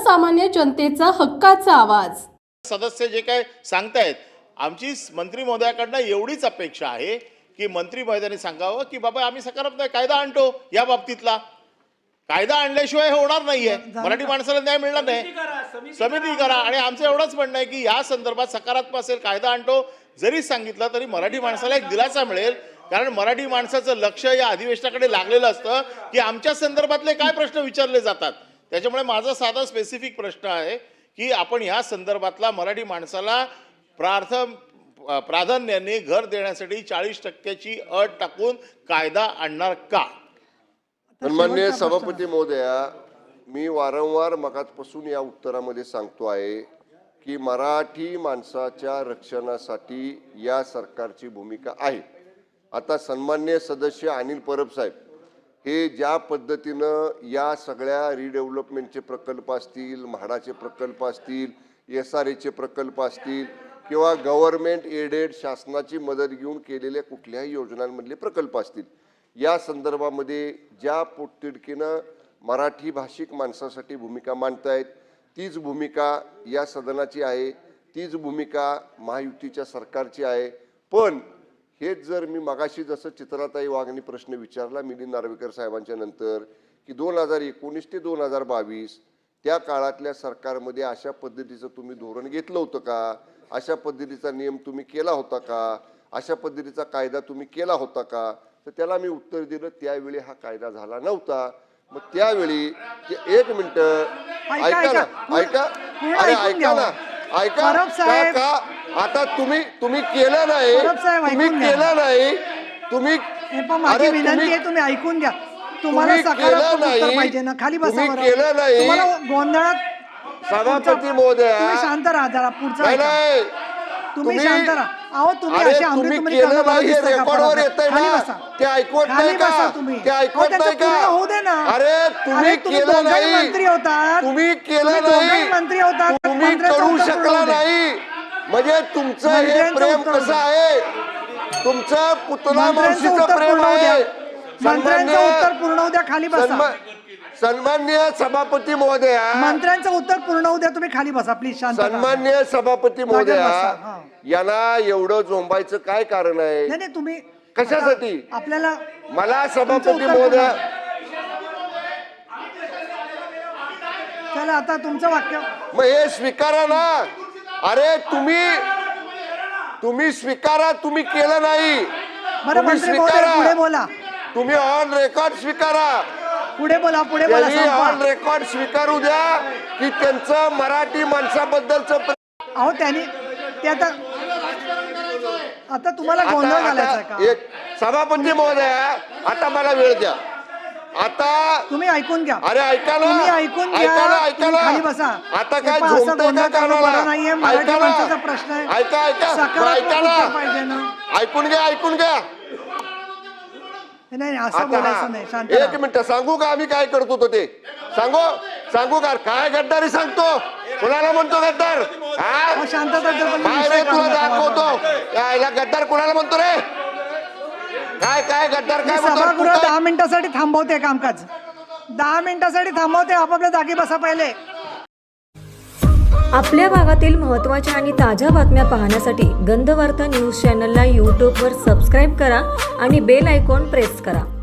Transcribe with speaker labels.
Speaker 1: सर्वसामान्य जनतेचा हक्काचा आवाज।
Speaker 2: सदस्य जे काय सांगतायत, आमची मंत्री महोदयाकडनं एवढीच अपेक्षा आहे की मंत्री महोदयांनी सांगावं की बाबा आम्ही सकारात्मक कायदा आणतो, या बाबतीतला कायदा आणल्याशिवाय हे होणार नाहीये, मराठी माणसाला न्याय मिळणार नाही, समिती करा। आणि आमचं एवढंच म्हणणं आहे की या संदर्भात सकारात्मक असेल, कायदा आणतो जरी सांगितलं तरी मराठी माणसाला एक दिलासा मिळेल, कारण मराठी माणसाचं लक्ष या अधिवेशनाकडे लागलेलं असतं की आमच्या संदर्भातले काय प्रश्न विचारले जातात। त्याच्यामुळे माझा साधा स्पेसिफिक प्रश्न आहे की आपण या संदर्भातला मराठी माणसाला प्राधान्याने घर देण्यासाठी 40% अट टाकून कायदा आणणार का?
Speaker 3: सन्माननीय सभापती महोदया, मी वारंवार मगाचपासून या उत्तरामध्ये सांगतो आहे की मराठी माणसाच्या रक्षणासाठी या सरकारची भूमिका आहे। आता सन्माननीय सदस्य अनिल परब साहेब हे ज्या पद्धतीनं या सगळ्या रिडेव्हलपमेंटचे प्रकल्प असतील, म्हाडाचे प्रकल्प असतील, SRAचे प्रकल्प असतील किंवा गव्हर्नमेंट एडेड शासनाची मदत घेऊन केलेल्या कुठल्याही योजनांमधले प्रकल्प असतील, या संदर्भामध्ये ज्या पोटतिडकीनं मराठी भाषिक माणसासाठी भूमिका मांडतायत तीच भूमिका या सदनाची आहे, तीच भूमिका महायुतीच्या सरकारची आहे। पण हेच जर मी मगाशी जसं चित्राताई वाघनी प्रश्न विचारला मिलिंद नार्वेकर साहेबांच्या नंतर की 2019 ते 2022 त्या काळातल्या सरकारमध्ये अशा पद्धतीचं तुम्ही धोरण घेतलं होतं का, अशा पद्धतीचा नियम तुम्ही केला होता का, अशा पद्धतीचा कायदा तुम्ही केला होता का, तर त्याला मी उत्तर दिलं त्यावेळी हा कायदा झाला नव्हता। मग त्यावेळी एक मिनिट ऐका ना, ऐका, अरे ऐका ना, ऐका का आता तुम्ही केलं नाही, तुम्ही केलं नाही, तुम्ही
Speaker 4: माझी विनंती आहे तुम्ही ऐकून घ्या, तुम्हाला सकारात्मक उत्तर पाहिजे ना, खाली बसा बरं,
Speaker 3: केलं नाही
Speaker 4: तुम्हाला गोंधळात
Speaker 3: सभापती महोदया
Speaker 4: तुम्ही शांत राहा जरा, पुढचा
Speaker 3: नाही
Speaker 4: तुम्ही शांत राहा। अहो तुम्ही असे आमरी
Speaker 3: केलं नाही हे रेकॉर्डवर येतंय ना, ते ऐकवत नाही का, ते ऐकवत नाही का?
Speaker 4: होऊ दे ना।
Speaker 3: अरे तुम्ही केलं नाही,
Speaker 4: मंत्री होता,
Speaker 3: तुम्ही केलं नाही,
Speaker 4: मंत्री होता,
Speaker 3: तुम्ही करू शकला नाही, म्हणजे तुमचं हे प्रेम कसं आहे, तुमचं पुतला मावशीचं प्रेम आहे।
Speaker 4: मंत्र्यांचं उत्तर पूर्ण होऊ द्या, खाली बसा।
Speaker 3: सन्माननीय सभापती महोदया,
Speaker 4: मंत्र्यांचं उत्तर पूर्ण होऊ द्या, तुम्ही खाली बसा प्लीज, शांत राहा।
Speaker 3: सन्माननीय सभापती महोदया, यांना एवढं झोंबायचं काय कारण आहे?
Speaker 4: नाही तुम्ही
Speaker 3: कशासाठी
Speaker 4: आपल्याला
Speaker 3: मला सभापती महोदया,
Speaker 4: चला आता तुमचं वाक्य
Speaker 3: मग हे स्वीकारा ना। अरे तुम्ही स्वीकारा, तुम्ही केलं नाही,
Speaker 4: बरं मंत्री महोदय पुढे बोला,
Speaker 3: तुम्ही ऑन रेकॉर्ड स्वीकारा,
Speaker 4: पुढे बोला, पुढे बोला,
Speaker 3: ऑन रेकॉर्ड स्वीकारू द्या की त्यांचं मराठी माणसाबद्दलचं।
Speaker 4: अहो त्यांनी ते आता तुम्हाला गोंधळ घालायचा का?
Speaker 3: एक सभापती महोदया, आता मला वेळ द्या, आता
Speaker 4: तुम्ही ऐकून घ्या,
Speaker 3: अरे ऐका ना,
Speaker 4: तुम्ही ऐकून घ्या,
Speaker 3: ऐका ना,
Speaker 4: खाली बसा।
Speaker 3: आता काय झोंबतंय का
Speaker 4: नाहीये, मराठी माणसाचा प्रश्न आहे,
Speaker 3: ऐका
Speaker 4: पाहिजे ना,
Speaker 3: ऐकून घ्या
Speaker 4: नाही असं बोलायचं नाही, शांत
Speaker 3: एक मिनिट सांगू का आम्ही काय करतो तो ते सांगू का? काय गद्दारी सांगतो, कुणाला म्हणतो गद्दार?
Speaker 4: शांतता
Speaker 3: तुला दाखवतो याला गद्दार कुणाला म्हणतो रे? काय गद्दार काय
Speaker 4: सभागृह 10 मिनिटासाठी थांबवते कामकाज, 10 मिनिटासाठी थांबवते, आपापल्या जागी बसा पहिले।
Speaker 5: आपल्या भागातील महत्त्वाच्या आणि ताज्या बातम्या पाहण्यासाठी गंधवार्ता न्यूज चॅनलला यूट्यूबवर सबस्क्राईब करा आणि बेल आयकॉन प्रेस करा।